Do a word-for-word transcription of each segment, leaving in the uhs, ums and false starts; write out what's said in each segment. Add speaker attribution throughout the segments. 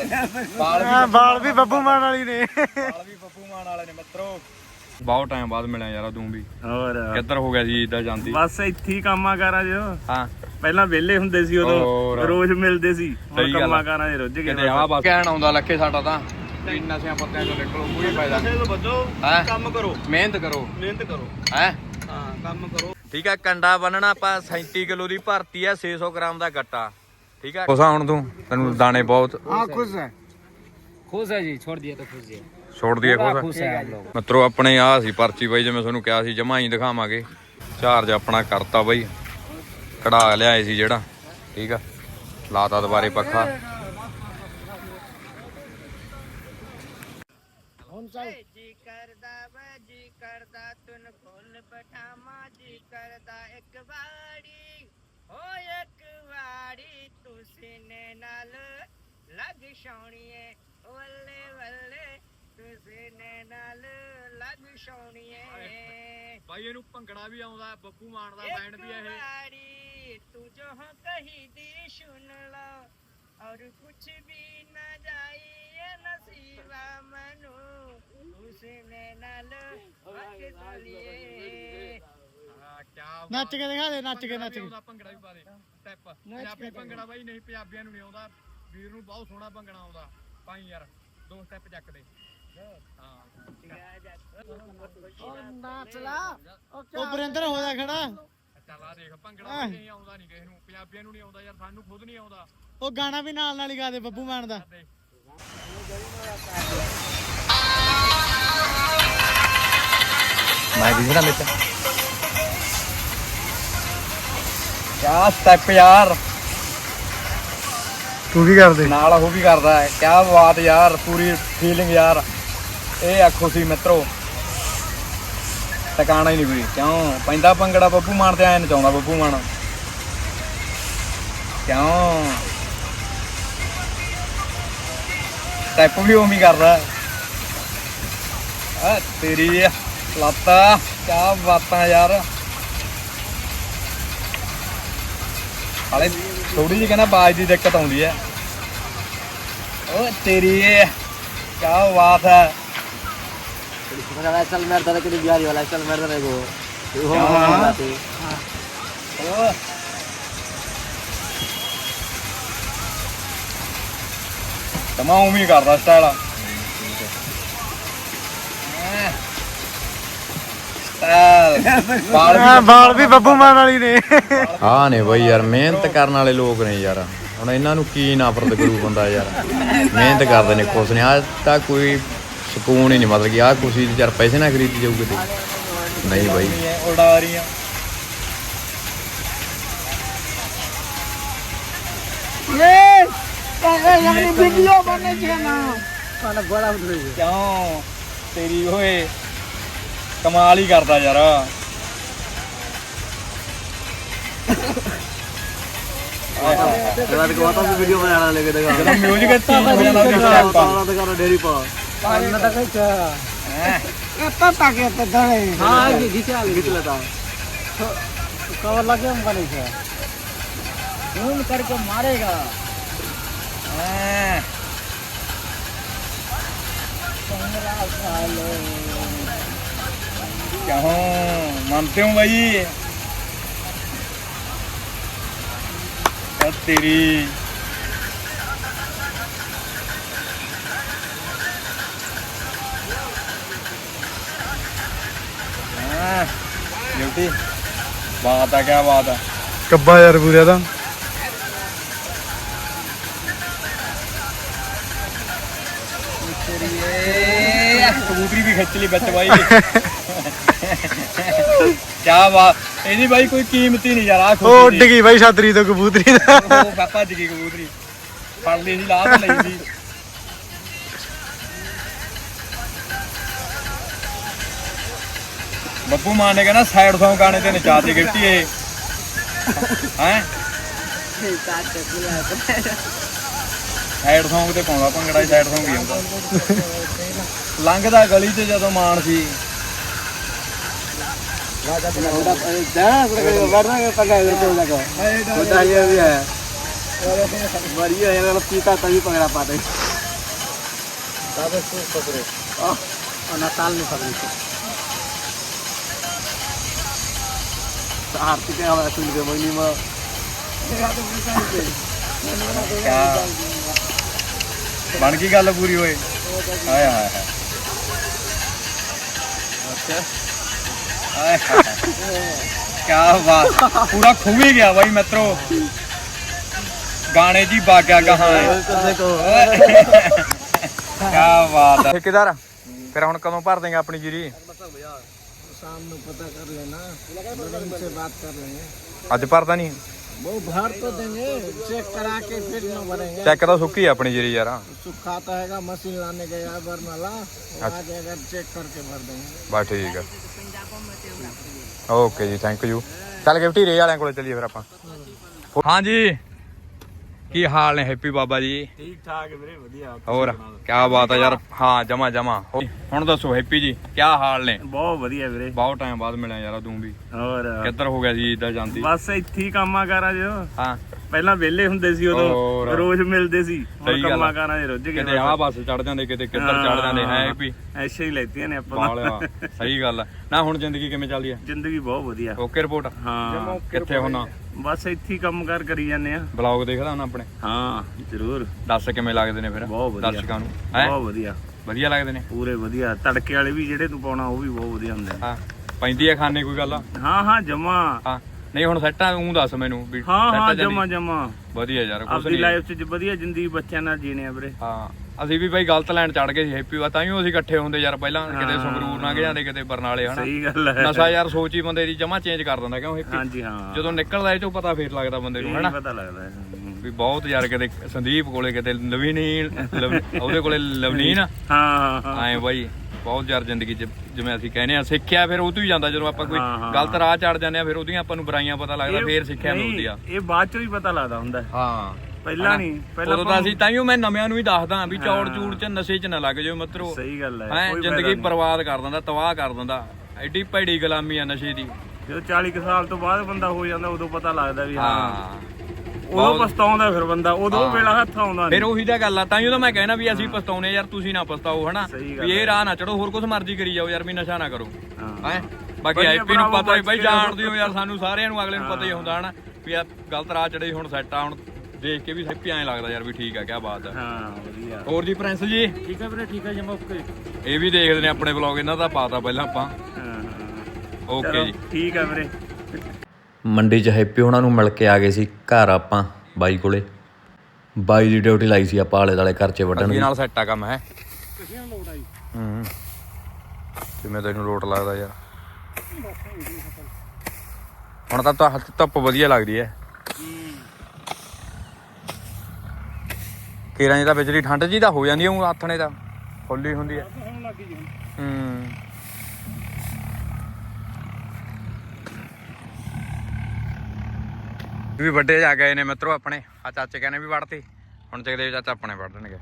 Speaker 1: ਬਾਲ ਬਾਲ ਵੀ ਬੱਬੂ ਮਾਨ ਵਾਲੀ ਨੇ
Speaker 2: ਬਾਲ ਵੀ ਬੱਬੂ ਮਾਨ ਵਾਲੇ ਨੇ ਮਿੱਤਰੋ। ਬਹੁਤ ਟਾਈਮ ਬਾਅਦ ਮਿਲਿਆ ਯਾਰ ਤੂੰ ਵੀ।
Speaker 1: ਹੋਰ
Speaker 2: ਕਿੱਧਰ ਹੋ ਗਿਆ ਸੀ ਇਦਾਂ ਜਾਂਦੀ?
Speaker 1: ਬਸ ਇੱਥੇ ਹੀ ਕੰਮਾਂ ਕਾਰਾਂ 'ਚ।
Speaker 2: ਹਾਂ
Speaker 1: ਪਹਿਲਾਂ ਵਿਹਲੇ ਹੁੰਦੇ ਸੀ ਉਦੋਂ, ਰੋਜ਼ ਮਿਲਦੇ ਸੀ। ਹੁਣ ਕੰਮਾਂ ਕਾਰਾਂ 'ਚ ਰੁੱਝ ਗਏ।
Speaker 2: ਕਿਤੇ ਆ ਬਸ ਕਹਿਣ ਆਉਂਦਾ ਲੱਖੇ ਸਾਡਾ ਤਾਂ ਵੀ ਨਸ਼ਿਆਂ ਪੱਤਿਆਂ ਚੋਂ ਨਿਕਲੋ, ਕੋਈ ਫਾਇਦਾ ਨਹੀਂ। ਕੰਮ ਕਰੋ, ਮਿਹਨਤ ਕਰੋ, ਮਿਹਨਤ ਕਰੋ ਹੈ। ਹਾਂ ਕੰਮ ਕਰੋ। ਠੀਕ ਆ, ਕੰਡਾ ਬੰਨਣਾ ਆਪਾਂ ਸੈਂਤੀ ਕਿਲੋ ਦੀ ਭਰਤੀ ਆ, ਛੇ ਸੌ ਗ੍ਰਾਮ ਦਾ ਗੱਟਾ। ਠੀਕ ਆ, ਖੁਸ਼ਾ ਹੁਣ ਤੂੰ, ਤੈਨੂੰ ਦਾਣੇ ਬਹੁਤ।
Speaker 1: ਹਾਂ ਖੁਸ਼ ਹੈ,
Speaker 3: खुश है जी, छोड़ दिया तो खुश है,
Speaker 2: ਛੋੜ ਦਈਏ ਖੁਸ਼
Speaker 3: खुश है हम लोग।
Speaker 2: ਮਿੱਤਰੋ ਆਪਣੇ ਆ ਸੀ ਪਰਚੀ ਬਾਈ, ਜਿਵੇਂ ਤੁਹਾਨੂੰ ਕਿਹਾ ਸੀ ਜਮਾ ਹੀ ਦਿਖਾਵਾਂਗੇ। ਚਾਰਜ ਆਪਣਾ ਕਰਤਾ ਬਾਈ, ਕਢਾ ਲਿਆਏ ਸੀ ਜਿਹੜਾ। ਠੀਕ ਆ, ਲਾਤਾ ਦੁਬਾਰੇ ਪੱਖਾ।
Speaker 4: जी करदा वे जी करदा तुन फुल पठामा जी करदा एक वाड़ी हो एक वाड़ी तू सीने नाल लग सोणीए वल्ले वल्ले तू सीने नाल लग सोणीए।
Speaker 2: ਬਾਈ ਇਹਨੂੰ ਭੰਗੜਾ ਵੀ ਆਉਂਦਾ, ਬੱਬੂ ਮਾਨ ਦਾ ਬੈਂਡ ਵੀ ਇਹ।
Speaker 4: वाड़ी तू जो हो कही दी सुन लो और कुछ भी न जाई नसीबा मनु उसने नाल वक सोलिए।
Speaker 1: ਨੱਚ ਕੇ ਦਿਖਾ ਦੇ, ਨੱਚ ਕੇ ਨੱਚ ਕੇ
Speaker 2: ਭੰਗੜਾ ਵੀ ਪਾ ਦੇ ਸਟੈਪ। ਪੰਜਾਬੀ ਭੰਗੜਾ ਬਾਈ ਨਹੀਂ ਪੰਜਾਬੀਆਂ ਨੂੰ ਨਹੀਂ ਆਉਂਦਾ, ਵੀਰ ਨੂੰ ਬਹੁਤ ਸੋਹਣਾ ਭੰਗੜਾ ਆਉਂਦਾ। ਪਾਈ ਯਾਰ ਦੋ ਸਟੈਪ ਚੱਕ ਦੇ। ਹਾਂ
Speaker 1: ਨਾਚ ਲਾ ਉਹ ਬਰਿੰਦਰ ਹੋ ਜਾ ਖੜਾ।
Speaker 2: ਚੱਲ ਆ ਦੇਖ, ਭੰਗੜਾ ਨਹੀਂ ਆਉਂਦਾ ਨਹੀਂ ਕਿਸੇ ਨੂੰ, ਪੰਜਾਬੀਆਂ ਨੂੰ ਨਹੀਂ ਆਉਂਦਾ ਯਾਰ, ਸਾਨੂੰ ਖੁਦ ਨਹੀਂ ਆਉਂਦਾ।
Speaker 1: ਉਹ ਗਾਣਾ ਵੀ ਨਾਲ ਨਾਲ ਹੀ ਗਾ ਦੇ ਬੱਬੂ ਮਾਨ ਦਾ।
Speaker 2: ਮੈਂ ਵੀ ਨਾ ਮਿੱਤ ਕਿਆ ਸਟੈਪ ਯਾਰ,
Speaker 1: ਤੂੰ ਵੀ ਕਰਦੇ
Speaker 2: ਨਾਲ ਉਹ ਵੀ ਕਰਦਾ ਹੈ। ਕਿਆ ਬਾਤ ਯਾਰ, ਪੂਰੀ ਫੀਲਿੰਗ ਯਾਰ। ਇਹ ਆਖੋ ਸੀ ਮਿੱਤਰੋ, ਟਿਕਾਣਾ ਹੀ ਨਹੀਂ ਕੋਈ। ਕਿਉਂ ਪੈਂਦਾ ਭੰਗੜਾ ਬੱਬੂ ਮਾਨ ਤੇ ਐ ਨਚਾਉਂਦਾ ਬੱਬੂ ਮਾਨ। ਕਿਉਂ ਸਟੈਪ ਵੀ ਉਵੇਂ ਕਰਦਾ ਆ ਤੇਰੀ ਲੱਤਾਂ। ਕਿਆ ਬਾਤਾਂ ਯਾਰ। ਹਾਲੇ ਥੋੜੀ ਜਿਹੀ ਕਹਿੰਦਾ ਆਵਾਜ਼ ਦੀ ਦਿੱਕਤ ਆਉਂਦੀ ਹੈ। ਓ ਤੇਰੀ ਕਿਆ ਬਾਤ ਹੈ।
Speaker 3: चल मेरे दादा के लिए बिहारी वाला चल मेरे दादा को वो
Speaker 2: ਓ ਤਮਾ ਉਵੇਂ ਕਰਦਾ ਸਟਾਈਲ।
Speaker 1: ਬਾਲ ਵੀ ਬੱਬੂ ਮਾਨ ਵਾਲੀ ਨੇ।
Speaker 2: ਹਾਂ ਨੇ ਬਈ ਯਾਰ, ਮਿਹਨਤ ਕਰਨ ਵਾਲੇ ਲੋਕ ਨੇ ਯਾਰ। ਹੁਣ ਇਹਨਾਂ ਨੂੰ ਕੀ ਨਫ਼ਰਤ ਕਰੂ ਬੰਦਾ ਯਾਰ। ਮਿਹਨਤ ਕਰਦੇ ਨੇ, ਖੁਸ਼ ਨੇ। ਆਹ ਤਾਂ ਕੋਈ ਸਕੂਨ ਹੀ ਨਹੀਂ, ਮਤਲਬ ਕਿ ਆਹ ਖੁਸ਼ੀ ਯਾਰ ਪੈਸੇ ਨਾਲ ਖਰੀਦੀ ਜਾਊ ਕਿਤੇ ਨਹੀਂ ਬਾਈ। ਉਡਾ ਰਹੀਆਂ
Speaker 4: वीडियो बने ना
Speaker 3: बड़ा उधर
Speaker 2: ਕਿਉਂ ਤੇਰੀ ਓਏ ਕਮਾਲ ਹੀ ਕਰਦਾ ਯਾਰ।
Speaker 3: रात को आता वीडियो बनाना लेके देखा
Speaker 2: ਜਦੋਂ ਮਿਊਜ਼ਿਕ ਇੱਥੇ ਹੋ ਜਾਂਦਾ ਤੇ ਸਟੈਪ ਆ।
Speaker 3: तो करो डेरी पा ना तक क्या
Speaker 2: ਹੈਂ।
Speaker 4: एता ताके तो धड़े
Speaker 3: हां घिचा घिच लेता
Speaker 4: कवर लगे हम बने छे घूम करके मारेगा।
Speaker 2: ਹੈਂ। क्यों मानते हो भाई? तेरी ड्यूटी बात है, क्या बात है।
Speaker 1: ਕੱਬਾ ਯਾਰ ਪੂਰਾ ਦਾ।
Speaker 2: कबूतरी भी खिंच ली बच भाई। क्या बात, ਇਹਦੀ ਬਾਈ ਕੋਈ ਕੀਮਤ ਹੀ ਨਹੀਂ ਯਾਰ।
Speaker 1: ਉਹ ਉੱਡ ਗਈ ਬਾਈ ਛਤਰੀ ਤੋਂ ਕਬੂਤਰੀ ਦਾ।
Speaker 2: ਉਹ ਭੱਜ ਗਈ ਕਬੂਤਰੀ, ਫੜ ਲਈ ਸੀ, ਲਾਹ ਤੇ ਲਈ ਸੀ। ਬੱਬੂ ਮਾਨ ਨੇ ਕਹਿੰਦਾ ਸਾਈਡ ਸੌਂਗ ਗਾਣੇ ਤੇ ਨਚਾ ਦੇ ਗਿਫਟੀ ਇਹ ਹੈ। ਸਾਈਡ ਸੌਂਗ ਤੇ ਪਾਉਂਦਾ ਭੰਗੜਾ, ਸਾਈਡ ਸੌਂਗ ਹੀ ਹੁੰਦਾ। ਲੰਘਦਾ ਗਲੀ 'ਚ ਜਦੋਂ ਮਾਨ ਸੀ।
Speaker 3: बढ़िया है, पीता तभी पकड़ा पाते। दादा से पकड़े और नाताल में पकड़े थे आरती के हमारे सुन के महीने में
Speaker 2: बन गई गल पूरी होए हाय हाय हाय अच्छा हाय क्या बात पूरा खो ही गया भाई मित्रों गाने जी बाग्या कहाँ है क्या बात है ठेकेदार फिर हम कदों भर देंगे अपनी जीरी
Speaker 3: शाम में पता कर लेना उनसे बात कर लेंगे
Speaker 2: अज भरता नहीं
Speaker 3: वो भर तो देंगे चेक करा के फिर न भरेंगे
Speaker 2: चेक तो सुक्की है अपनी जीरी यार
Speaker 3: सुखाता है मशीन लाने गया बरनाला आ जाएगा चेक करके भर देंगे
Speaker 2: बस ठीक है ओके जी थैंक यू चल गिफ्टी रे वाले को चलिए फिर आप हाँ जी की हाल ने हैप्पी बाबा जी
Speaker 1: ठीक ठाक है मेरे बढ़िया
Speaker 2: और क्या बात है यार हाँ जमा जमा ਹੁਣ ਦੱਸੋ ਹੈਪੀ ਜੀ ਕੀ ਹਾਲ ਨੇ
Speaker 1: ਬਹੁਤ ਵਧੀਆ ਵੀਰੇ
Speaker 2: ਬਹੁਤ ਟਾਈਮ ਬਾਅਦ ਮਿਲਿਆ ਯਾਰ ਤੂੰ ਵੀ
Speaker 1: ਹੋਰ
Speaker 2: ਕਿੱਧਰ ਹੋ ਗਿਆ ਸੀ ਇਦਾਂ ਜਾਂਦੀ
Speaker 1: ਬਸ ਇੱਥੇ ਹੀ ਕੰਮਾਂ ਕਾਰਾਂ ਜੋ
Speaker 2: ਹਾਂ
Speaker 1: ਪਹਿਲਾਂ ਵਿਹਲੇ ਹੁੰਦੇ ਸੀ ਉਦੋਂ ਰੋਜ਼ ਮਿਲਦੇ ਸੀ ਹੁਣ ਕੰਮਾਂ ਕਾਰਾਂ ਦੇ ਰੁੱਝ ਗਏ
Speaker 2: ਕਿਤੇ ਆਹ ਬੱਸ ਚੜ ਜਾਂਦੇ ਕਿਤੇ ਕਿੱਧਰ ਚੜ ਜਾਂਦੇ ਹੈ ਹੈਪੀ
Speaker 1: ਐਸੇ ਹੀ ਲੈਤੀਆਂ ਨੇ ਆਪਾਂ
Speaker 2: ਬਾਲਿਆ ਸਹੀ ਗੱਲ ਆ ਨਾ ਹੁਣ ਜ਼ਿੰਦਗੀ ਕਿਵੇਂ ਚੱਲਦੀ ਹੈ
Speaker 1: ਜ਼ਿੰਦਗੀ ਬਹੁਤ ਵਧੀਆ
Speaker 2: ਓਕੇ ਰਿਪੋਰਟ
Speaker 1: ਹਾਂ
Speaker 2: ਕਿੱਥੇ ਹੋਣਾ
Speaker 1: ਬਸ ਇੱਥੇ ਹੀ ਕੰਮ ਕਾਰ ਕਰੀ ਜਾਂਦੇ ਆ
Speaker 2: ਬਲੌਗ ਦੇਖਦਾ ਹੁਣ ਆਪਣੇ
Speaker 1: ਹਾਂ ਜ਼ਰੂਰ
Speaker 2: ਦੱਸ ਕਿਵੇਂ ਲੱਗਦੇ ਨੇ ਫਿਰ
Speaker 1: ਬਹੁਤ ਵਧੀਆ
Speaker 2: ਦਰਸ਼ਕਾਂ ਨੂੰ ਹੈ
Speaker 1: ਬਹੁਤ ਵਧੀਆ
Speaker 2: ਵਧੀਆ ਲੱਗਦੇ ਨੇ
Speaker 1: ਪੂਰੇ ਵਧੀਆ ਤੜਕੇ ਵਾਲੇ ਵੀ ਜਿਹੜੇ ਤੂੰ ਪਾਉਣਾ ਉਹ ਵੀ ਬਹੁਤ ਵਧੀਆ ਹੁੰਦੇ
Speaker 2: ਹਾਂ ਪੈਂਦੀ ਆ ਖਾਣੇ ਕੋਈ ਗੱਲ
Speaker 1: ਹਾਂ ਹਾਂ ਜਮਾ
Speaker 2: ਹਾਂ ਨਹੀਂ ਹੁਣ ਸੈੱਟਾਂ ਉਹ ਦੱਸ ਮੈਨੂੰ ਵੀ
Speaker 1: ਹਾਂ ਹਾਂ ਜਮਾ ਜਮਾ
Speaker 2: ਵਧੀਆ ਯਾਰ ਕੁਛ
Speaker 1: ਆਪਣੀ ਲਾਈਫ 'ਚ ਵਧੀਆ ਜ਼ਿੰਦਗੀ ਬੱਚਿਆਂ ਨਾਲ ਜੀਣੇ ਆ ਵੀਰੇ
Speaker 2: ਹਾਂ ਅਸੀਂ ਵੀ ਬਾਈ ਗਲਤ ਲੈਣ ਚੜ ਗਏ ਸੀ ਹੈਪੀ ਵਾ ਤਾਂ ਹੀ ਅਸੀਂ ਇਕੱਠੇ ਹੁੰਦੇ ਯਾਰ ਪਹਿਲਾਂ ਕਿਤੇ ਸੰਗਰੂਰ ਲੰਘ ਜਾਂਦੇ ਕਿਤੇ ਬਰਨਾਲੇ ਹਨਾ
Speaker 1: ਸਹੀ ਗੱਲ ਹੈ
Speaker 2: ਨਸ਼ਾ ਯਾਰ ਸੋਚ ਹੀ ਬੰਦੇ ਦੀ ਜਮਾ ਚੇਂਜ ਕਰ ਦਿੰਦਾ ਕਿਉਂ ਹੈਪੀ
Speaker 1: ਹਾਂਜੀ ਹਾਂ
Speaker 2: ਜਦੋਂ ਨਿਕਲਦਾ ਇਹ ਚੋਂ ਪਤਾ ਫੇਰ ਲੱਗਦਾ ਬੰਦੇ ਨੂੰ ਹਨਾ
Speaker 1: ਪਤਾ ਲੱਗਦਾ
Speaker 2: ਵੀ ਬਹੁਤ ਯਾਰ ਕਿਤੇ ਸੰਦੀਪ ਕੋਲੇ ਕਿਤੇ ਨਵੀਨੀਨ ਉਹਦੇ ਕੋਲੇ ਲਵਨੀਨ
Speaker 1: ਹਾਂ ਹਾਂ
Speaker 2: ਐਂ ਬਾਈ ਬਹੁਤ ਯਾਰ ਜ਼ਿੰਦਗੀ 'ਚ ਜਿਵੇਂ ਅਸੀਂ ਕਹਿੰਦੇ ਆ ਸਿੱਖਿਆ ਫਿਰ ਉਹ ਤੋਂ ਹੀ ਜਾਂਦਾ ਜਦੋਂ ਆਪਾਂ ਕੋਈ ਗਲਤ ਰਾਹ ਚੜ ਜਾਂਦੇ ਆ ਫਿਰ ਉਹਦੀਆਂ ਆਪਾਂ ਨੂੰ ਬੁਰਾਈਆਂ ਪਤਾ ਲੱਗਦਾ ਫੇਰ ਸਿੱਖਿਆ ਮਿਲਦੀ ਆ
Speaker 1: ਇਹ ਬਾਅਦ ਚੋਂ ਹੀ ਪਤਾ ਲੱਗਦਾ ਹੁੰਦਾ
Speaker 2: ਹਾਂ
Speaker 1: ਪਹਿਲਾਂ ਨਹੀਂ ਪਹਿਲਾਂ
Speaker 2: ਉਦੋਂ ਤਾਂ ਅਸੀਂ ਤਾਈਓ ਮੈਂ ਨਵਿਆਂ ਨੂੰ ਹੀ ਦੱਸਦਾ ਵੀ ਚੌੜ ਚੂੜ 'ਚ ਨਸ਼ੇ 'ਚ ਨਾ ਲੱਗ ਜਾਓ ਮਿੱਤਰੋ
Speaker 1: ਸਹੀ ਗੱਲ ਹੈ
Speaker 2: ਹੈ ਜ਼ਿੰਦਗੀ ਬਰਬਾਦ ਕਰ ਦਿੰਦਾ ਤਬਾਹ ਕਰ ਦਿੰਦਾ ਐਡੀ ਭੈੜੀ ਗੁਲਾਮੀ ਆ ਨਸ਼ੇ ਦੀ
Speaker 1: ਜਦੋਂ ਚਾਲੀ ਕੁ ਸਾਲ ਤੋਂ ਬਾਅਦ ਬੰਦਾ ਹੋ ਜਾਂਦਾ ਉਦੋਂ ਪਤਾ ਲੱਗਦਾ ਵੀ ਹਾਂ
Speaker 2: ਹਾਂ
Speaker 1: ਉਦੋਂ ਪਛਤਾਉਂਦਾ ਫਿਰ ਬੰਦਾ ਉਦੋਂ ਵੇਲਾ ਹੱਥ ਆਉਂਦਾ
Speaker 2: ਫਿਰ ਉਹੀ ਤਾਂ ਗੱਲ ਆ ਤਾਈਓ ਤਾਂ ਮੈਂ ਕਹਿਣਾ ਵੀ ਅਸੀਂ ਪਛਤਾਉਨੇ ਯਾਰ ਤੁਸੀਂ ਨਾ ਪਛਤਾਓ ਹਨਾ ਵੀ ਇਹ ਰਾਹ ਨਾ ਚੜੋ ਹੋਰ ਕੁਝ ਮਰਜ਼ੀ ਕਰੀ ਜਾਓ ਯਾਰ ਵੀ ਨਸ਼ਾ ਨਾ ਕਰੋ ਹੈ ਬਾਕੀ ਆਈਪੀ ਨੂੰ ਪਤਾ ਹੀ ਬਾਈ ਜਾਣਦੇ ਹੋ ਯਾਰ ਸਾਨੂੰ ਸਾਰਿਆਂ ਨੂੰ ਅਗਲੇ ਨੂੰ ਪਤਾ ਹੀ ਹੁੰਦਾ ਹਨਾ ਵੀ ਆ ਗਲਤ ਰਾਹ ਚੜੇ ਹੁਣ ਸੈੱਟ ਆ ਹੁਣ ਦੇਖ ਕੇ ਵੀ ਹੈਪੀ ਐਂ ਲੱਗਦਾ ਯਾਰ ਵੀ ਠੀਕ ਆ ਕਿਆ ਬਾਤ ਆ
Speaker 1: ਹਾਂ ਵਧੀਆ
Speaker 2: ਹੋਰ ਜੀ ਪ੍ਰਿੰਸ ਜੀ
Speaker 1: ਠੀਕ ਆ ਵੀਰੇ ਠੀਕ ਆ ਜਮਾ ਓਕੇ
Speaker 2: ਇਹ ਵੀ ਦੇਖਦੇ ਨੇ ਆਪਣੇ ਵਲੌਗ ਇਹਨਾਂ ਦਾ ਪਾਤਾ ਪਹਿਲਾਂ ਆਪਾਂ ਓਕੇ ਜੀ
Speaker 1: ਠੀਕ ਆ ਵੀਰੇ
Speaker 5: ਮੰਡੀ 'ਚ ਹੈਪੀ ਉਹਨਾਂ ਨੂੰ ਮਿਲ ਕੇ ਆ ਗਏ ਸੀ ਘਰ ਆਪਾਂ ਬਾਈ ਕੋਲੇ ਬਾਈ ਦੀ ਡਿਊਟੀ ਲਾਈ ਸੀ ਆਪਾਂ ਆਲੇ ਦਾਲੇ ਖਰਚੇ ਵੱਢਣ ਦੀ
Speaker 2: ਨਾਲ ਸੈੱਟ ਆ ਕੰਮ ਹੈ ਹੂੰ ਕਿਵੇਂ ਤੈਨੂੰ ਲੋਟ ਲੱਗਦਾ ਯਾਰ ਹੁਣ ਤਾਂ ਤਾਂ ਧੁੱਪ ਵਧੀਆ ਲੱਗਦੀ ਹੈ ਕੇਰਾਂ ਜੀ ਤਾਂ ਵਿਚਲੀ ਠੰਡ ਜੀ ਤਾਂ ਹੋ ਜਾਂਦੀ ਹੈ ਆਥਣੇ ਤਾਂ ਫੁੱਲੀ ਹੁੰਦੀ ਹੈ ਹੂੰ ਵੀ ਵੱਡੇ ਜਾ ਗਏ ਨੇ ਮਿੱਤਰੋ ਆਪਣੇ ਆ ਚਾਚੇ ਕਹਿੰਦੇ ਵੀ ਵੜਤੀ ਹੁਣ ਜਗਦੇਵ ਚਾਚਾ ਆਪਣੇ ਵੜ ਦੇਣਗੇ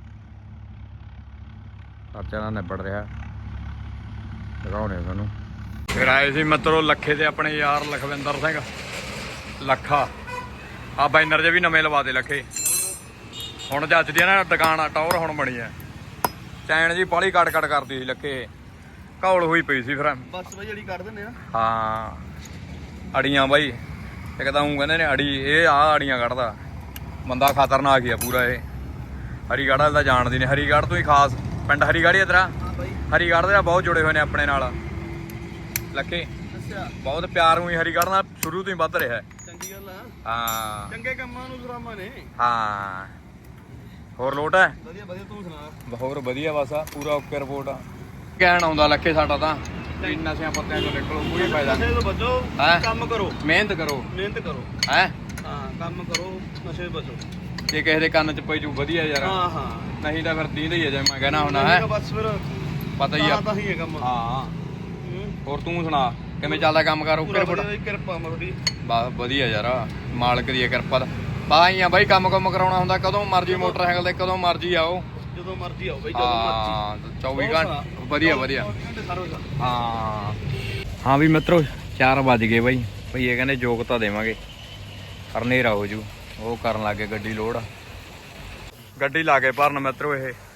Speaker 2: ਚਾਚਾ ਨਾਲ ਨਿਬੜ ਰਿਹਾ ਦਿਖਾਉਣੇ ਤੁਹਾਨੂੰ ਫਿਰ ਆਏ ਸੀ ਮਿੱਤਰੋ ਲੱਖੇ ਤੇ ਆਪਣੇ ਯਾਰ ਲਖਵਿੰਦਰ ਸਿੰਘ ਲੱਖਾ ਆ ਬੈਨਰ ਜੇ ਵੀ ਨਵੇਂ ਲਵਾ ਦੇ ਲੱਖੇ ਹੁਣ ਜੱਜਦੀ ਆ ਨਾ ਦੁਕਾਨ ਟੌਰ ਹੁਣ ਬਣੀ ਐ ਚੈਨ ਜੀ ਪਾਲੀ ਕੱਟ ਕੱਟ ਕਰਦੀ ਸੀ ਲੱਖੇ ਘੌਲ ਹੋਈ ਪਈ ਸੀ ਫਿਰ
Speaker 3: ਬਸ ਬਈ ਜਿਹੜੀ ਕੱਢ ਦਿੰਦੇ ਆ
Speaker 2: ਹਾਂ ਅੜੀਆਂ ਬਾਈ ਇੱਕ ਤਾਂ ਉਹ ਕਹਿੰਦੇ ਨੇ ਅੜੀ ਇਹ ਆ ਅੜੀਆਂ ਕੱਢਦਾ ਬੰਦਾ ਖਤਰਨਾਕ ਹੀ ਆ ਪੂਰਾ ਇਹ ਹਰੀਗੜ੍ਹ ਦਾ ਜਾਣਦੀ ਨੇ ਹਰੀਗੜ੍ਹ ਤੋਂ ਹੀ ਖਾਸ ਪਿੰਡ ਹਰੀਗੜ੍ਹ ਹੀ ਤੇਰਾ ਹਰੀਗੜ੍ਹ ਦੇ ਬਹੁਤ ਜੁੜੇ ਹੋਏ ਨੇ ਆਪਣੇ ਨਾਲ ਲੱਖੇ ਬਹੁਤ ਪਿਆਰ ਹੋਈ ਹਰੀਗੜ੍ਹ ਨਾਲ ਸ਼ੁਰੂ ਤੋਂ ਹੀ ਵੱਧ ਰਿਹਾ
Speaker 3: ਚੰਗੀ ਗੱਲ ਆ
Speaker 2: ਹਾਂ
Speaker 3: ਚੰਗੇ ਕੰਮਾਂ ਨੂੰ ਸਰਾਮਾ ਨੇ
Speaker 2: ਹਾਂ ਹੋਰ ਲੋਟ ਹੈ
Speaker 3: ਵਧੀਆ ਵਧੀਆ ਤੂੰ ਸੁਣਾ
Speaker 2: ਹੋਰ ਵਧੀਆ ਬਸ ਆ ਪੂਰਾ ਓਕੇ ਰਿਪੋਰਟ ਆ ਕਹਿਣ ਆਉਂਦਾ ਲੱਖੇ ਸਾਡਾ ਤਾਂ ਵੀ ਨਸ਼ਿਆਂ ਪੱਤਿਆਂ ਤੋਂ ਨਿਕਲੋ ਕੋਈ ਫਾਇਦਾ
Speaker 3: ਨਸ਼ੇ ਤੋਂ ਬਚੋ
Speaker 2: ਹੈਂ?
Speaker 3: ਕੰਮ ਕਰੋ
Speaker 2: ਮਿਹਨਤ ਕਰੋ
Speaker 3: ਮਿਹਨਤ ਕਰੋ
Speaker 2: ਹੈ
Speaker 3: ਹਾਂ ਕੰਮ ਕਰੋ ਨਸ਼ੇ ਤੋਂ ਬਚੋ
Speaker 2: ਜੇ ਕਿਸੇ ਦੇ ਕੰਨ 'ਚ ਪਈ ਜੂ ਵਧੀਆ ਯਾਰ
Speaker 3: ਹਾਂ ਹਾਂ
Speaker 2: ਨਹੀਂ ਤਾਂ ਫਿਰ ਦੀਂਦਾ ਹੀ ਆ ਜਿਵੇਂ ਮੈਂ ਕਹਿਣਾ ਹੁੰਦਾ ਹੈ
Speaker 3: ਬਸ ਫਿਰ
Speaker 2: ਪਤਾ ਹੀ ਆ
Speaker 3: ਤਾਂ ਹੀ ਹੈ ਕੰਮ
Speaker 2: ਹਾਂ ਹੋਰ ਤੂੰ ਸੁਣਾ ਕਿਵੇਂ ਚੱਲਦਾ ਕੰਮ ਕਰ ਓਕੇ ਰਿਪੋਰਟ
Speaker 3: ਕਿਰਪਾ ਮਰਦੀ
Speaker 2: ਬਸ ਵਧੀਆ ਯਾਰ ਮਾਲਕ ਦੀ ਕਿਰਪਾ ਦਾ ਬਾਈ ਆ ਬਾਈ ਕੰਮ ਕੰਮ ਕਰਾਉਣਾ ਹੁੰਦਾ ਕਦੋਂ ਮਰਜੀ ਮੋਟਰਸਾਈਕਲ ਤੇ ਕਦੋਂ ਮਰਜੀ ਆਓ
Speaker 3: ਜਦੋਂ ਮਰਜੀ ਆਓ ਬਈ ਜਦੋਂ ਮਰਜੀ
Speaker 2: ਹਾਂ ਚੌਵੀ ਘੰਟੇ ਵਧੀਆ ਵਧੀਆ ਹਾਂ ਹਾਂ ਵੀ ਮਿੱਤਰੋ ਚਾਰ ਵੱਜ ਗਏ ਬਾਈ ਭਈ ਇਹ ਕਹਿੰਦੇ ਯੋਗਤਾ ਦੇਵਾਂਗੇ ਪਰ ਹਨੇਰਾ ਹੋ ਜੂ ਉਹ ਕਰਨ ਲੱਗੇ ਗੱਡੀ ਲੋਡ ਗੱਡੀ ਲਾ ਕੇ ਭਰਨ ਮਿੱਤਰੋ ਇਹ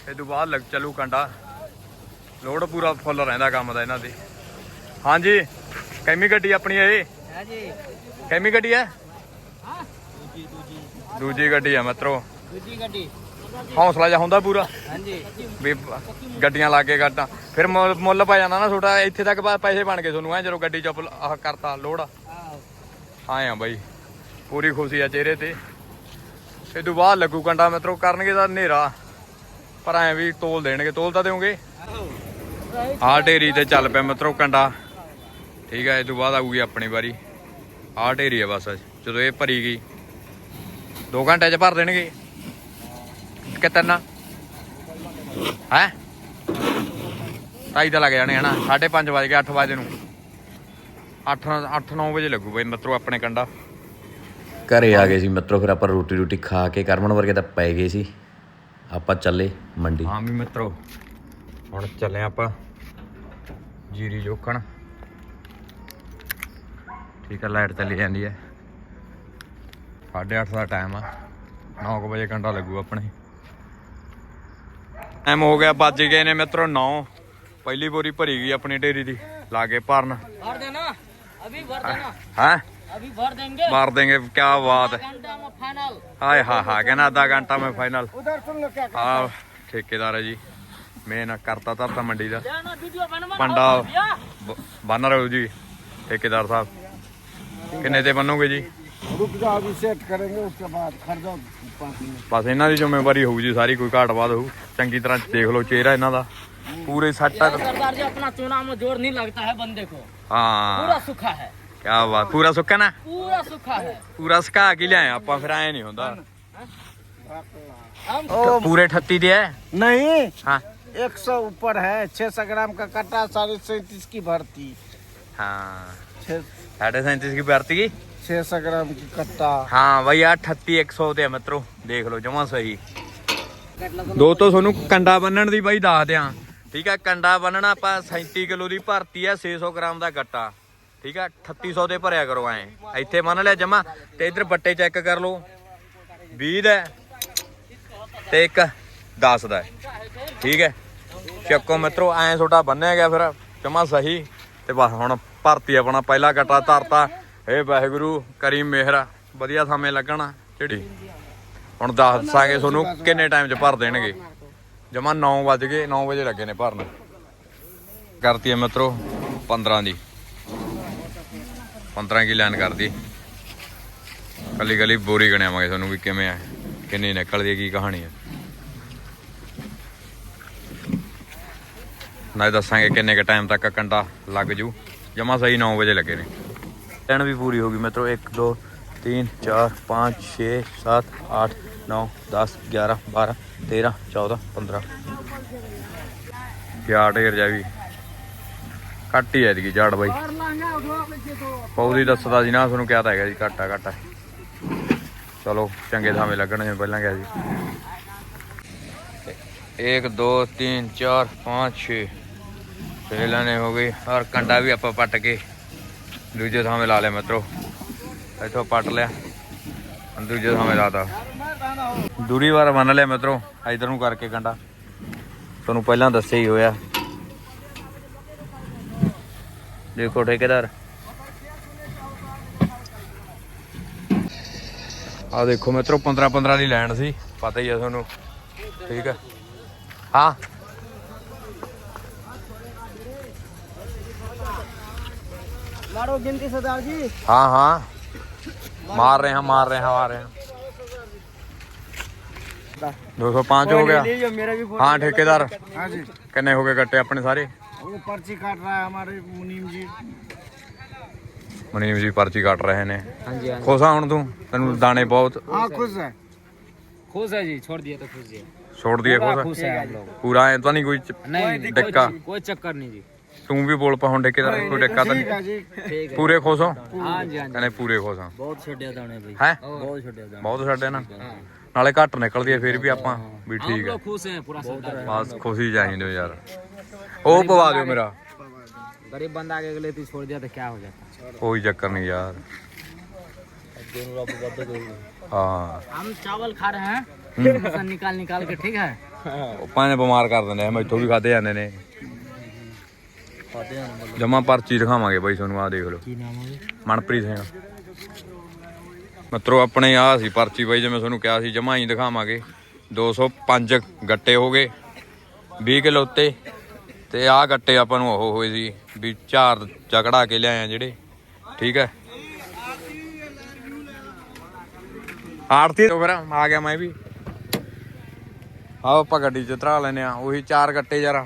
Speaker 2: ਇਹ ਤੋਂ ਬਾਅਦ ਲੱਗ ਚੱਲੂ ਕੰਡਾ ਲੋਡ ਪੂਰਾ ਫੁੱਲ ਰਹਿੰਦਾ ਕੰਮ ਦਾ ਇਹਨਾਂ ਦੀ। ਹਾਂਜੀ ਕੈਮੀ ਗੱਡੀ ਆਪਣੀ ਇਹ
Speaker 4: है जी
Speaker 2: ਕੈਮੀ ਗੱਡੀ ਹੈ
Speaker 4: हाँ
Speaker 2: ਦੂਜੀ ਗੱਡੀ ਆ ਮਿੱਤਰੋ।
Speaker 4: दूसरी गड्डी
Speaker 2: ਹੌਸਲਾ ਜਿਹਾ ਹੁੰਦਾ ਪੂਰਾ
Speaker 4: हाँ जी
Speaker 2: ਵੀ ਗੱਡੀਆਂ ਲਾ ਕੇ ਗੱਡਾਂ ਫਿਰ ਮੁੱਲ ਮੁੱਲ ਪੈ ਜਾਂਦਾ ਨਾ ਤੁਹਾਡਾ। ਇੱਥੇ ਤੱਕ ਬਾ- ਪੈਸੇ ਬਣ ਗਏ ਤੁਹਾਨੂੰ ਐ ਜਦੋਂ ਗੱਡੀ ਚ ਆਹ ਕਰਤਾ ਲੋਡ ਆਏ ਆ ਬਾਈ ਪੂਰੀ ਖੁਸ਼ੀ ਆ ਚਿਹਰੇ ਤੇ। ਇਹ ਤੋਂ ਬਾਅਦ ਲੱਗੂ ਕੰਡਾ ਮਿੱਤਰੋ ਕਰਨਗੇ ਤਾਂ ਹਨੇਰਾ ਪਰ ਐ ਵੀ ਤੋਲ ਦੇਣਗੇ। ਤੋਲ ਤਾਂ ਦਿਓਗੇ। ਆਹ ਢੇਰੀ ਤੇ ਚੱਲ ਪਿਆ ਮਿੱਤਰੋ ਕੰਡਾ ਠੀਕ ਆ। ਇਹ ਤੋਂ ਬਾਅਦ ਆਊਗੀ ਆਪਣੀ ਵਾਰੀ। ਆਹ ਢੇਰੀ ਆ ਬਸ ਜਦੋਂ ਇਹ ਭਰੀ ਗਈ ਦੋ ਘੰਟੇ ਚ ਭਰ ਦੇਣਗੇ ਕਿ ਤਿੰਨ ਹੈ ਢਾਈ ਤਾਂ ਲੱਗ ਜਾਣੇ ਹਨਾ। ਸਾਢੇ ਪੰਜ ਵਜ ਗਏ ਅੱਠ ਵਜੇ ਨੂੰ ਅੱਠ ਅੱਠ ਨੌ ਵਜੇ ਲੱਗੂ ਬਈ ਮਿੱਤਰੋ ਆਪਣੇ ਕੰਡਾ।
Speaker 5: ਘਰੇ ਆ ਗਏ ਸੀ ਮਿੱਤਰੋ ਫਿਰ ਆਪਾਂ ਰੋਟੀ ਰੋਟੀ ਖਾ ਕੇ ਕਰਮਨ ਵਰਗੇ ਤਾਂ ਪੈ ਗਏ ਸੀ। ਆਪਾਂ ਚੱਲੇ ਮੰਡੀ।
Speaker 2: ਹਾਂ ਵੀ ਮਿੱਤਰੋ ਹੁਣ ਚੱਲੇ ਆਪਾਂ ਜੀਰੀ ਜੋਖਣ ਠੀਕ ਆ। ਲਾਈਟ ਚੱਲੀ ਜਾਂਦੀ ਹੈ ਸਾਢੇ ਅੱਠ ਦਾ ਟਾਈਮ ਆ। ਨੌ ਕੁ ਵਜੇ ਘੰਟਾ ਲੱਗੂ ਆਪਣੇ। ਟਾਈਮ ਹੋ ਗਿਆ ਵੱਜ ਗਏ ਨੇ ਮਿੱਤਰੋ ਨੌ। ਪਹਿਲੀ ਬੋਰੀ ਭਰੀ ਗਈ ਆਪਣੀ ਢੇਰੀ ਦੀ ਲਾਗੇ ਭਰਨ।
Speaker 4: भर देना अभी भर देना
Speaker 2: ਹੈ
Speaker 4: अभी भर देंगे
Speaker 2: ਮਾਰ ਦੇਂਗੇ ਕਿਆ ਬਾਤ ਹੈ।
Speaker 4: घंटा में फाइनल
Speaker 2: ਹਾਏ ਹਾ ਹਾ ਕਹਿੰਦਾ ਅੱਧਾ ਘੰਟਾ ਮੈਂ ਫਾਈਨਲ।
Speaker 3: उधर सुन लो क्या
Speaker 2: ਆ ਠੇਕੇਦਾਰ ਹੈ ਜੀ ਮੇਨ ਕਰਤਾ ਧਰਤਾ ਮੰਡੀ ਦਾ
Speaker 4: जाना वीडियो बनवा
Speaker 2: ਪੰਡਾ ਬੰਨ ਰਹੇ ਹੋ ਜੀ ਠੇਕੇਦਾਰ ਸਾਹਿਬ। ਕਿੰਨੇ ਤੇ ਬੰਨੋਗੇ ਜੀ?
Speaker 3: रुक जाओ अभी सेट करेंगे उसके बाद खरीदो पाँच मिनट।
Speaker 2: ਬਸ ਇਹਨਾਂ ਦੀ ਜ਼ਿੰਮੇਵਾਰੀ ਹੋਊ ਜੀ ਸਾਰੀ। ਕੋਈ ਘਾਟ ਬਾਤ ਹੋਊ ਚੰਗੀ ਤਰ੍ਹਾਂ ਦੇਖ ਲਓ ਚਿਹਰਾ ਇਹਨਾਂ ਦਾ ਪੂਰੇ ਸੱਟ।
Speaker 4: सरदार जी अपना चुनाव में जोर नहीं लगता है बंदे को पूरा
Speaker 2: ਹਾਂ
Speaker 4: सूखा है
Speaker 2: ਕਿਆ ਬਾਤ। ਪੂਰਾ ਸੁੱਕਾ ਨਾ
Speaker 4: पूरा सूखा है
Speaker 2: ਪੂਰਾ ਸੁਕਾ ਕੇ ਲਿਆਏ ਆਪਾਂ ਫਿਰ ਐ ਨਹੀਂ ਹੁੰਦਾ।
Speaker 4: हम
Speaker 2: ਪੂਰੇ ਅਠੱਤੀ ਦੇ ਹੈ
Speaker 3: नहीं
Speaker 2: ਹਾਂ
Speaker 3: एक सौ ऊपर है। छह सौ ग्राम का कट्टा साढ़े सैंतीस की भरती।
Speaker 2: ਹਾਂ
Speaker 3: छह
Speaker 2: साढ़े सैंतीस की भर्ती की
Speaker 3: छह सौ ग्राम की कट्टा।
Speaker 2: ਹਾਂ ਬਈ ਆ ਅਠੱਤੀ ਇੱਕ ਸੌ ਤੇ ਆ ਮਿੱਤਰੋ ਦੇਖ ਲਓ ਜਮਾ ਸਹੀ। ਦੋ ਤੋਂ ਤੁਹਾਨੂੰ ਕੰਡਾ ਬੰਨਣ ਦੀ ਬਾਈ ਦੱਸ ਦਿਆਂ ਠੀਕ ਆ। ਕੰਡਾ ਬੰਨਣਾ ਆਪਾਂ ਸੈਂਤੀ ਕਿਲੋ ਦੀ ਭਰਤੀ ਆ ਛੇ ਸੌ ਗ੍ਰਾਮ ਦਾ ਗੱਟਾ ਠੀਕ ਆ। ਅਠੱਤੀ ਸੌ ਦੇ ਭਰਿਆ ਕਰੋ ਐ ਇੱਥੇ ਬੰਨ ਲਿਆ ਜਮਾ। ਤੇ ਇਧਰ ਬੱਟੇ ਚੈੱਕ ਕਰ ਲਓ ਵੀਹ ਦਾ ਤੇ ਇੱਕ ਦਸ ਦਾ ਠੀਕ ਹੈ। ਚੱਕੋ ਮਿੱਤਰੋ ਐ ਤੁਹਾਡਾ ਬੰਨਿਆ ਗਿਆ ਫਿਰ ਜਮਾ ਸਹੀ। ਤੇ ਬਸ ਹੁਣ ਭਰਤੀ ਆਪਣਾ ਪਹਿਲਾ ਗੱਟਾ ਧਰਤਾ। ਇਹ ਵਾਹਿਗੁਰੂ ਕਰੀ ਮਿਹਰ ਵਧੀਆ ਸਮੇਂ ਲੱਗਣਾ ਜਿਹੜੀ ਹੁਣ ਦੱਸਾਂਗੇ ਤੁਹਾਨੂੰ ਕਿੰਨੇ ਟਾਈਮ 'ਚ ਭਰ ਦੇਣਗੇ। ਜਮਾ ਨੌ ਵੱਜ ਗਏ ਨੌ ਵਜੇ ਲੱਗੇ ਨੇ ਭਰਨ। ਕਰਤੀ ਹੈ ਮਿੱਤਰੋ ਪੰਦਰਾਂ ਦੀ ਪੰਦਰਾਂ ਕੀ ਲਾਈਨ ਕਰਦੀ। ਕੱਲੀ ਕੱਲੀ ਬੋਰੀ ਗਣਿਆਵਾਂਗੇ ਤੁਹਾਨੂੰ ਵੀ ਕਿਵੇਂ ਆ ਕਿੰਨੀ ਨਿਕਲਦੀ ਹੈ ਕੀ ਕਹਾਣੀ ਹੈ ਨਾ ਦੱਸਾਂਗੇ ਕਿੰਨੇ ਕ ਟਾਈਮ ਤੱਕ ਕੰਡਾ ਲੱਗ ਜੂ। ਜਮਾ ਸਹੀ ਨੌ ਵਜੇ ਲੱਗੇ ਨੇ। ਲਾਈਨ ਵੀ ਪੂਰੀ ਹੋ ਗਈ ਮਿੱਤਰੋ। ਇੱਕ ਦੋ तीन चार पाँच छः सात आठ नौ दस ग्यारह बारह तेरह चौदह पंद्रह क्या ढेर जा भी घट ही है झाड़ बाई पौधी दसदा जी ना थोनू क्या था जी घट है घट है। चलो चंगे थावे लगन जिवें पहलां गया जी। एक दो तीन चार पाँच छः छे लाने हो गई और कंडा भी आप पट के दूजे थावे ला लिया मित्रों। ਇੱਥੋਂ ਪੱਟ ਲਿਆ ਦੂਜੇ ਥਾਵੇਂ ਲਾਤਾ ਦੂਰੀ ਵਾਰ ਬੰਨ ਲਿਆ ਮਿੱਤਰੋ। ਇਧਰ ਨੂੰ ਕਰਕੇ ਕੰਡਾ ਤੁਹਾਨੂੰ ਪਹਿਲਾਂ ਦੱਸਿਆ ਹੀ ਹੋਇਆ। ਦੇਖੋ ਠੇਕੇਦਾਰ ਆ ਦੇਖੋ ਮਿੱਤਰੋ ਪੰਦਰਾਂ ਪੰਦਰਾਂ ਦੀ ਲੈਣ ਸੀ ਪਤਾ ਹੀ ਆ ਤੁਹਾਨੂੰ ਠੀਕ ਆ। ਹਾਂ
Speaker 4: मारो गिनती सरदार जी।
Speaker 2: हाँ हाँ मार रहे हैं मार रहे हैं मार रहे हैं। दो सौ पाँच हो गया।
Speaker 4: मेरा भी
Speaker 2: हाँ ठेकेदार
Speaker 3: हाँ जी
Speaker 2: कितने हो गए कट्टे अपने सारे?
Speaker 3: वो पर्ची काट रहा है हमारे मुनीम जी।
Speaker 2: मुनीम जी पर्ची काट रहे ने।
Speaker 4: हाँ जी हाँ
Speaker 2: खुश हूँ तू तेन दाने बहुत
Speaker 3: हाँ खुश है।
Speaker 4: खुश है जी छोड़ दिया तो खुश है
Speaker 2: छोड़ दिए खुश
Speaker 4: खुश है हम लोग।
Speaker 2: पूरा है तो नहीं कोई
Speaker 4: नहीं
Speaker 2: डिक्का
Speaker 4: कोई चक्कर नहीं जी।
Speaker 2: तू भी बोल पा हूँ ठेकेदार कोई डिक्का तो
Speaker 3: ठीक है
Speaker 2: नहीं
Speaker 3: जी।
Speaker 4: ठीक है
Speaker 2: पूरे खुश हो
Speaker 4: हाँ जी हाँ जी
Speaker 2: कहने पूरे खुश हाँ
Speaker 4: बहुत छोड़िया दाने भाई
Speaker 2: है
Speaker 4: बहुत छोड़िया दाने
Speaker 2: बहुत छड्डे ना नाले घट निकलदी है फिर भी ਆਪਾਂ ਵੀ
Speaker 4: हम
Speaker 2: ठीक है
Speaker 4: लोग खुश हैं पूरा सरदार।
Speaker 2: बस खुशी चाहिए यार। ਉਹ ਪਵਾ ਦਿਓ ਮੇਰਾ
Speaker 4: गरीब बंदा आगे के लिए तो छोड़ दिया तो क्या हो जाता।
Speaker 2: कोई चक्कर नहीं यार। हाँ
Speaker 4: हम चावल खा रहे हैं निकाल निकाल के ठीक है
Speaker 2: ਉਹ ਭਾਵੇਂ ਬਿਮਾਰ ਕਰ ਦਿੰਦੇ ਆ, ਮੈਥੋਂ ਵੀ ਖਾਦੇ ਜਾਂਦੇ ਨੇ। ਜਮਾ ਪਰਚੀ ਦਿਖਾਵਾਂਗੇ ਬਾਈ ਤੁਹਾਨੂੰ, ਆਹ ਦੇਖ ਲਓ।
Speaker 3: ਕੀ ਨਾਮ ਹੈ?
Speaker 2: ਮਨਪ੍ਰੀਤ ਸਿੰਘ ਮਿੱਤਰੋ ਆਪਣੇ ਆਹ ਸੀ ਪਰਚੀ ਬਾਈ, ਜਿਵੇਂ ਤੁਹਾਨੂੰ ਕਿਹਾ ਸੀ ਜਮਾ ਹੀ ਦਿਖਾਵਾਂਗੇ। ਦੋ ਸੌ ਪੰਜ ਗੱਟੇ ਹੋ ਗਏ ਵੀਹ ਕਿਲੋ ਉੱਤੇ, ਤੇ ਆਹ ਗੱਟੇ ਆਪਾਂ ਨੂੰ ਉਹ ਹੋਏ ਸੀ ਵੀ ਝਾਰ ਚਕੜਾ ਕੇ ਲਿਆਏ ਆ ਜਿਹੜੇ, ਠੀਕ ਹੈ। ਆੜਤੀ ਤੋਂ ਫਿਰ ਆ ਗਿਆ ਮੈਂ ਵੀ। ਆਓ ਆਪਾਂ ਗੱਡੀ ਚ ਧਰਾ ਲੈਨੇ ਆ ਉਹੀ ਚਾਰ ਗੱਟੇ ਯਾਰ।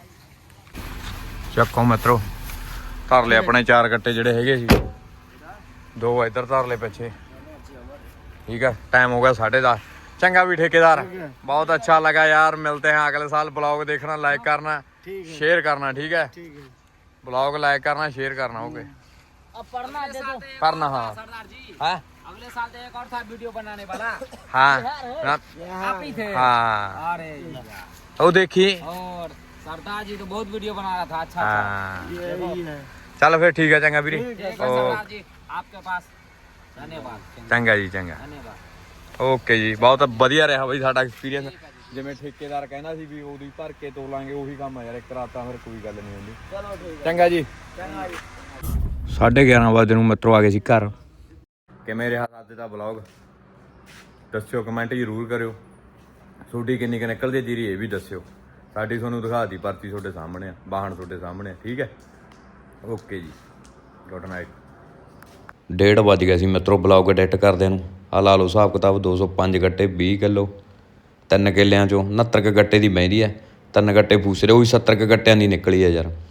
Speaker 2: ਚੱਕੋ ਮਿੱਤਰੋ, ਧਰ ਲਏ ਆਪਣੇ ਚਾਰ ਗੱਟੇ ਜਿਹੜੇ ਹੈਗੇ ਸੀ, ਦੋ ਇੱਧਰ ਧਰ ਲਏ ਪਿੱਛੇ, ठीक है। टाइम हो गया साढ़े दस। चंगा भी ठेकेदार, बहुत अच्छा लगा यार। मिलते हैं अगले साल। ब्लॉग देखना, लाइक करना, शेयर करना, ठीक है। ब्लॉग लाइक करना, शेयर करना। ओके,
Speaker 4: अब पढ़ना दे दो,
Speaker 2: पढ़ना। हाँ
Speaker 4: सरदार जी,
Speaker 2: है
Speaker 4: अगले साल तो एक और था वीडियो बनाने वाला।
Speaker 2: हाँ
Speaker 4: आप ही थे।
Speaker 2: हाँ,
Speaker 4: अरे
Speaker 2: वो देखी।
Speaker 4: और सरदार जी तो बहुत वीडियो बना रहा था। अच्छा
Speaker 2: हाँ, चलो फिर ठीक है। चंगा वीरे,
Speaker 4: सरदार जी आपके पास धन्यवाद।
Speaker 2: चंगा जी, चंगा,
Speaker 4: धन्यवाद।
Speaker 2: ਓਕੇ ਜੀ। ਬਹੁਤ ਵਧੀਆ ਰਿਹਾ ਬਾਈ ਸਾਡਾ ਐਕਸਪੀਰੀਅੰਸ। ਜਿਵੇਂ ਠੇਕੇਦਾਰ ਕਹਿੰਦਾ ਸੀ ਵੀ ਉਦੋਂ ਹੀ ਭਰ ਕੇ ਤੋਲਾਂਗੇ, ਉਹੀ ਕੰਮ ਆ ਯਾਰ। ਇੱਕ ਰਾਤਾਂ ਫਿਰ ਕੋਈ ਗੱਲ ਨਹੀਂ ਹੁੰਦੀ।
Speaker 4: चलो ठीक,
Speaker 2: ਚੰਗਾ ਜੀ।
Speaker 4: चंगा जी।
Speaker 2: ਸਾਢੇ ਗਿਆਰਾਂ ਵਜੇ ਨੂੰ ਮਿੱਤਰੋ ਆ ਗਏ ਸੀ ਘਰ। ਕਿਵੇਂ ਰਿਹਾ ਅੱਜ ਦਾ ਵਲੌਗ ਦੱਸਿਓ, ਕਮੈਂਟ ਜ਼ਰੂਰ ਕਰਿਓ। ਤੁਹਾਡੀ ਕਿੰਨੀ ਕੁ ਨਿਕਲਦੀ ਹੈ ਜੀਰੀ ਇਹ ਵੀ ਦੱਸਿਓ। ਸਾਡੀ ਤੁਹਾਨੂੰ ਦਿਖਾਤੀ ਪਰਚੀ ਤੁਹਾਡੇ ਸਾਹਮਣੇ ਆ, ਵਾਹਣ ਤੁਹਾਡੇ ਸਾਹਮਣੇ ਆ, ਠੀਕ ਹੈ। ਓਕੇ ਜੀ, ਗੁੱਡ ਨਾਈਟ।
Speaker 5: ਡੇਢ ਵੱਜ ਗਿਆ ਸੀ ਮਿੱਤਰੋ ਬਲੌਗ ਐਡਿਟ ਕਰਦਿਆਂ ਨੂੰ। ਆ ਲਾ ਲਓ ਹਿਸਾਬ ਕਿਤਾਬ, ਦੋ ਸੌ ਪੰਜ ਗੱਟੇ ਵੀਹ ਕਿਲੋ, ਤਿੰਨ ਕਿੱਲਿਆਂ ਚੋਂ ਉਣਹੱਤਰ ਕੁ ਗੱਟੇ ਦੀ ਬਹਿੰਦੀ ਹੈ, ਤਿੰਨ ਗੱਟੇ ਫੂਸਰੇ, ਉਹੀ ਸੱਤਰ ਕੁ ਗੱਟਿਆਂ ਦੀ ਨਿਕਲੀ ਹੈ ਯਾਰ।